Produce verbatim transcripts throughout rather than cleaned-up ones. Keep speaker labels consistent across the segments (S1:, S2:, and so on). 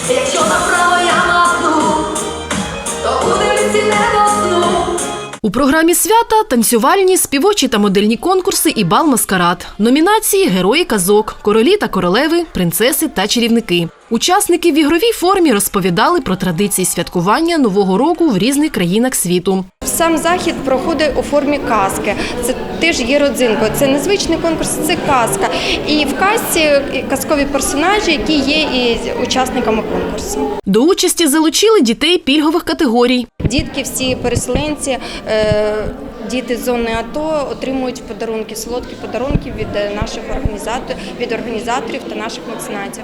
S1: Якщо направо я махну, то у дивці не досну.
S2: У програмі свята – танцювальні, співочі та модельні конкурси і бал-маскарад. Номінації – герої казок, королі та королеви, принцеси та чарівники. Учасники в ігровій формі розповідали про традиції святкування Нового року в різних країнах світу.
S3: Сам захід проходить у формі казки. Це теж є родзинкою. Це незвичний конкурс, це казка. І в казці казкові персонажі, які є і учасниками конкурсу.
S2: До участі залучили дітей пільгових категорій.
S3: Дітки, всі переселенці, діти з зони АТО отримують подарунки, солодкі подарунки від наших організаторів, від організаторів та наших меценатів.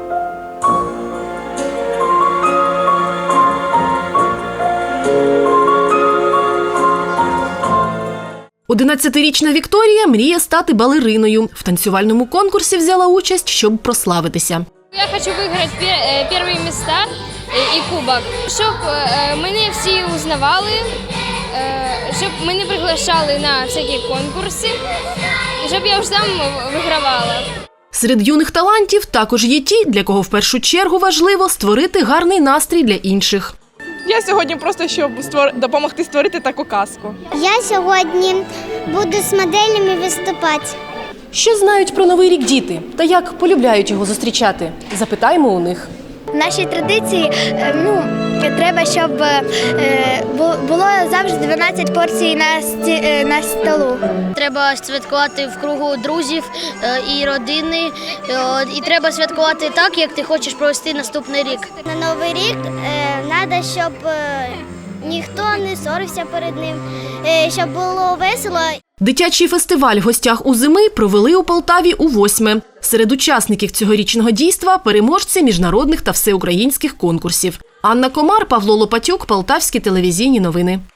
S2: одинадцятирічна Вікторія мріє стати балериною. В танцювальному конкурсі взяла участь, щоб прославитися.
S4: Я хочу виграти перші місця і кубок, щоб мене всі узнавали, щоб мене приглашали на всякі конкурси, щоб я вже там вигравала.
S2: Серед юних талантів також є ті, для кого в першу чергу важливо створити гарний настрій для інших.
S5: Я сьогодні просто, щоб створ... допомогти створити таку казку.
S6: Я сьогодні буду з моделями виступати.
S2: Що знають про Новий рік діти та як полюбляють його зустрічати? Запитаємо у них.
S6: В нашій традиції ну, треба, щоб було завжди дванадцять порцій на, сті... на столу.
S7: Треба святкувати в кругу друзів і родини. І треба святкувати так, як ти хочеш провести наступний рік.
S6: На Новий рік треба, щоб ніхто не сорився перед ним, щоб було весело.
S2: Дитячий фестиваль в гостях у зими провели у Полтаві у восьме. Серед учасників цьогорічного дійства – переможці міжнародних та всеукраїнських конкурсів. Анна Комар, Павло Лопатюк, Полтавські телевізійні новини.